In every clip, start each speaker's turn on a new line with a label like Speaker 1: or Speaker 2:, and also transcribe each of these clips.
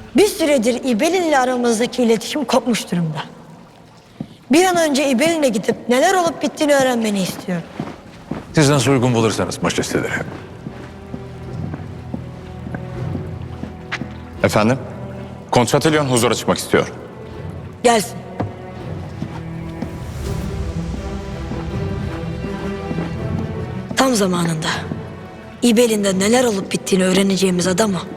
Speaker 1: Bir süredir İbelin ile aramızdaki iletişim kopmuş durumda. Bir an önce İbelin'e gidip neler olup bittiğini öğrenmeni istiyorum.
Speaker 2: Siz nasıl uygun bulursanız majesteleri.
Speaker 3: Efendim? Kontratilyon huzura çıkmak istiyor.
Speaker 1: Gelsin. Tam zamanında. İbelin'de neler olup bittiğini öğreneceğimiz adam o.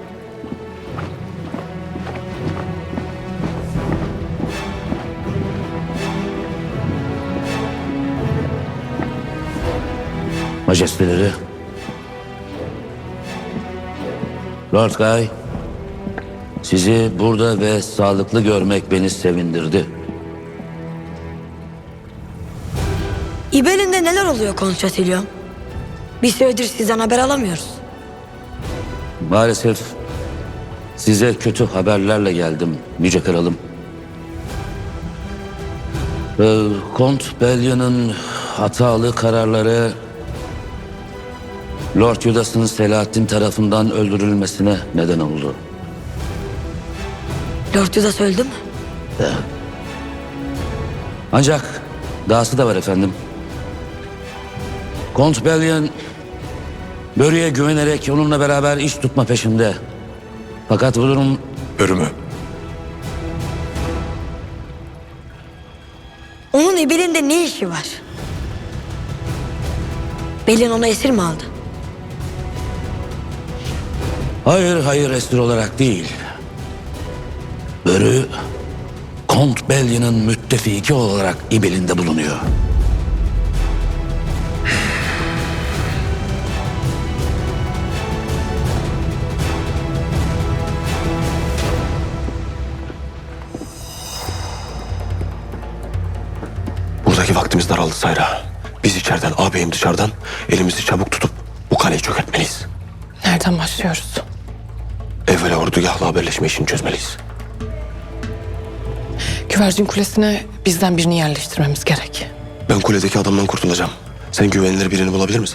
Speaker 4: Majesteleri, Lord Guy, sizi burada ve sağlıklı görmek beni sevindirdi.
Speaker 1: İbelin'de neler oluyor Kontratilyon? Bir süredir sizden haber alamıyoruz.
Speaker 4: Maalesef size kötü haberlerle geldim Yüce Kralım. Kont Bellion'un hatalı kararları Lord Judas'ın Selahattin tarafından öldürülmesine neden oldu.
Speaker 1: Lord Judas öldü mü?
Speaker 4: Ancak dahası da var efendim. Kont Bellion Börü'ye güvenerek onunla beraber iş tutma peşinde. Fakat bu durum
Speaker 2: Börümü.
Speaker 1: Onun İbelin'de ne işi var? Belin onu esir mi aldı?
Speaker 4: hayır esir olarak değil. Börü Kont Bellion'ın müttefiki olarak İbel'inde bulunuyor.
Speaker 5: Buradaki vaktimiz daraldı Sayra. Biz içeriden, ağabeyim dışarıdan elimizi çabuk tutup bu kaleyi çökertmeliyiz.
Speaker 6: Nereden başlıyoruz?
Speaker 5: Evvela ordugahla haberleşme işini çözmeliyiz.
Speaker 6: Güvercin Kulesi'ne bizden birini yerleştirmemiz gerek.
Speaker 5: Ben kuledeki adamdan kurtulacağım. Sen güvenilir birini bulabilir misin?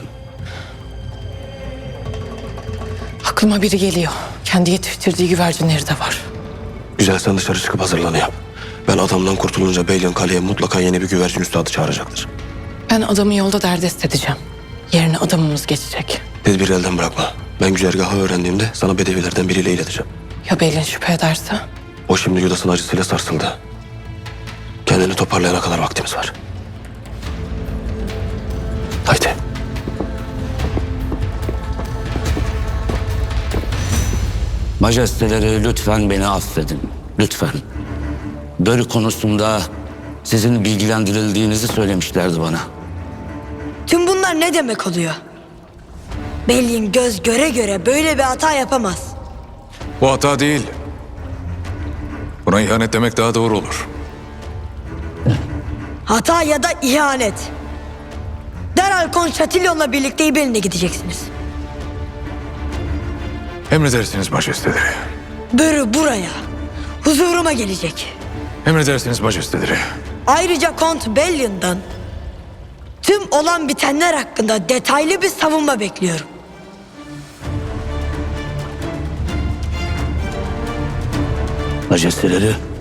Speaker 6: Aklıma biri geliyor. Kendi yetiştirdiği güvercinleri de var.
Speaker 5: Güzel, sen dışarı çıkıp hazırlığını yap. Ben adamdan kurtulunca Beylion kaleye mutlaka yeni bir güvercin üstadı çağıracaktır.
Speaker 6: Ben adamı yolda derdest edeceğim. Yerine adamımız geçecek.
Speaker 5: Tedbiri elden bırakma. Ben güzergahı öğrendiğimde sana bedevilerden biriyle ileteceğim.
Speaker 6: Ya Belin şüphe ederse?
Speaker 5: O şimdi Judas'ın acısıyla sarsıldı. Kendini toparlayana kadar vaktimiz var. Haydi.
Speaker 4: Majesteleri lütfen beni affedin. Lütfen. Börü konusunda sizin bilgilendirildiğinizi söylemişlerdi bana.
Speaker 1: Tüm bunlar ne demek oluyor? Belin göz göre göre böyle bir hata yapamaz.
Speaker 2: Bu hata değil. Buna ihanet demek daha doğru olur.
Speaker 1: Hata ya da ihanet. Derhal Kontratilyon'la birlikte İbelin'e gideceksiniz.
Speaker 2: Emredersiniz majesteleri.
Speaker 1: Börü buraya, huzuruma gelecek.
Speaker 2: Emredersiniz majesteleri.
Speaker 1: Ayrıca Kont Bellion'dan tüm olan bitenler hakkında detaylı bir savunma bekliyorum.
Speaker 4: Majesteleri,